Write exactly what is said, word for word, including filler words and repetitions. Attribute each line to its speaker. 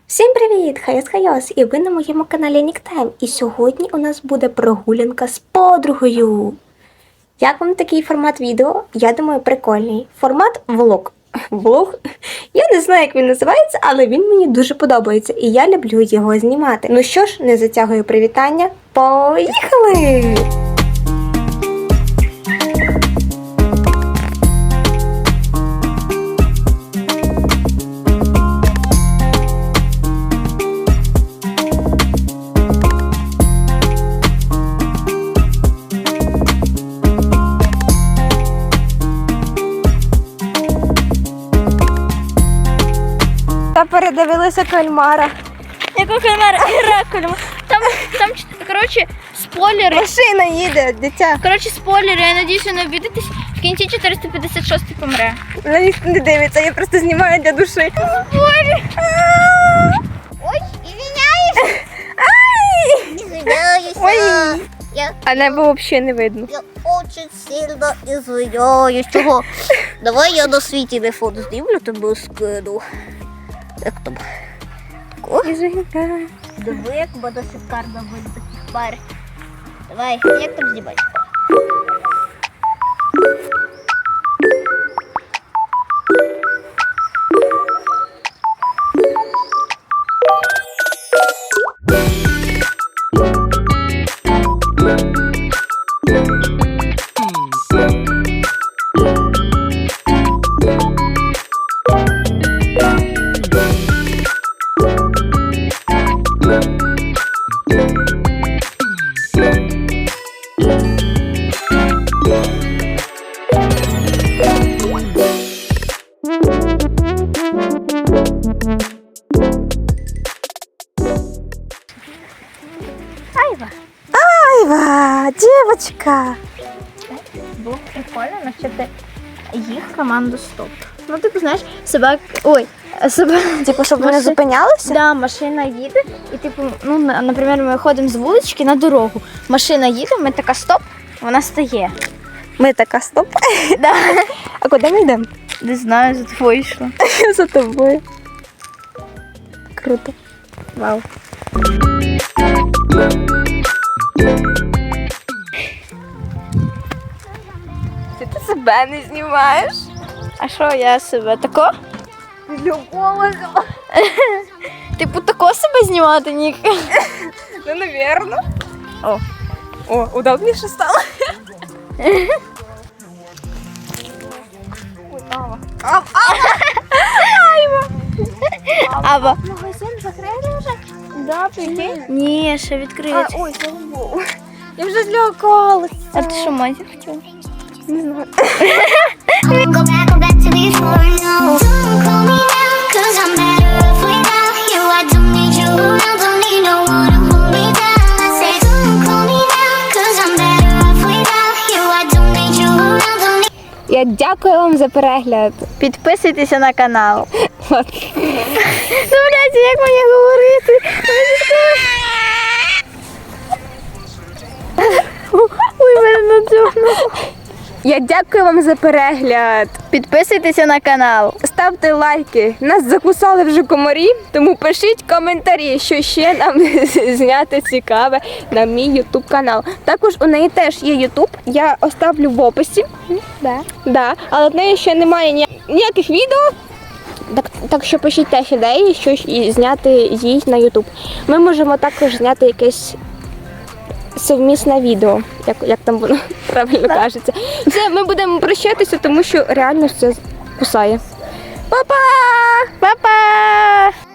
Speaker 1: Всім привіт! Хайос-хайос! І ви на моєму каналі Ніктайм. І сьогодні у нас буде прогулянка з подругою. Як вам такий формат відео? Я думаю, прикольний. Формат влог. Влог? Я не знаю, як він називається, але він мені дуже подобається. І я люблю його знімати. Ну що ж, не затягую привітання. Поїхали! Та передивилися кальмара.
Speaker 2: Якого кальмара? Кальмара. Там, там, коротше, спойлери.
Speaker 1: Машина їде, дитя.
Speaker 2: Коротше, спойлери, я надіюсь, ви не обідитесь. В кінці чотириста п'ятдесят шостий помре.
Speaker 1: На них не дивиться, я просто знімаю для душі.
Speaker 2: Боже.
Speaker 3: Ой, извиняюсь.
Speaker 1: Ай!
Speaker 3: Извиняюсь.
Speaker 1: Ой.
Speaker 3: Я,
Speaker 1: А небо взагалі не видно.
Speaker 3: я очень сильно извиняюсь. Чого? Давай я на свій телефон знімлю, тебе скину. Як там? Диви, як буде шикарно видно таких пар. Давай, як там знімати?
Speaker 2: Айва.
Speaker 1: Айва, дівчинка.
Speaker 2: Було прикольно навчити їх команду стоп. Ну, типу, знаєш, собак... Ой, собак...
Speaker 1: Типу, щоб вони
Speaker 2: Маши-
Speaker 1: зупинялися?
Speaker 2: Да, машина їде, і типу, ну, на- наприклад, ми ходимо з вулички на дорогу. Машина їде, ми така стоп, вона стає.
Speaker 1: Ми така стоп.
Speaker 2: Да.
Speaker 1: А куди ми йдемо?
Speaker 2: Не знаю, за тобою йшла.
Speaker 1: За тобою. Круто.
Speaker 2: Вау.
Speaker 1: Ти, ти себе не знімаєш?
Speaker 2: А що я себе тако?
Speaker 1: Любого.
Speaker 2: Типу тако себе знімати, Нік?
Speaker 1: Ну, навірно.
Speaker 2: О.
Speaker 1: О, удобніше стало.
Speaker 2: Ава.
Speaker 1: Магазин закрили вже?
Speaker 2: Да, прикинь? Ні, ще відкриють.
Speaker 1: Ой, слава Богу. Я вже злякалася.
Speaker 2: А ти що, матір хотіла?
Speaker 1: Не знаю.
Speaker 3: Go back, go back to before now. Don't call me now, cause I'm better off without you. I don't need you around, don't need no one to hold me down. I say, don't call me now, cause I'm better off without you. I don't need you around, don't need.
Speaker 1: Я дякую вам за перегляд.
Speaker 2: Підписуйтеся на канал. Ну, блядь, як мені говорити? Ой, мене надзьогнуло.
Speaker 1: Я дякую вам за перегляд.
Speaker 2: Підписуйтеся на канал.
Speaker 1: Ставте лайки. Нас закусали вже комарі, тому пишіть коментарі, що ще нам зняти цікаве на мій ютуб канал. Також у неї теж є ютуб, я оставлю в описі.
Speaker 2: Да.
Speaker 1: Да, але в неї ще немає ні- ніяких відео. Так, так що пишіть теж ідеї, що ж і зняти їй на ютуб. Ми можемо також зняти якесь совмісне відео, як, як там воно правильно кажеться. Все, ми будемо прощатися, тому що реально все кусає. Па-па!
Speaker 2: Па-па!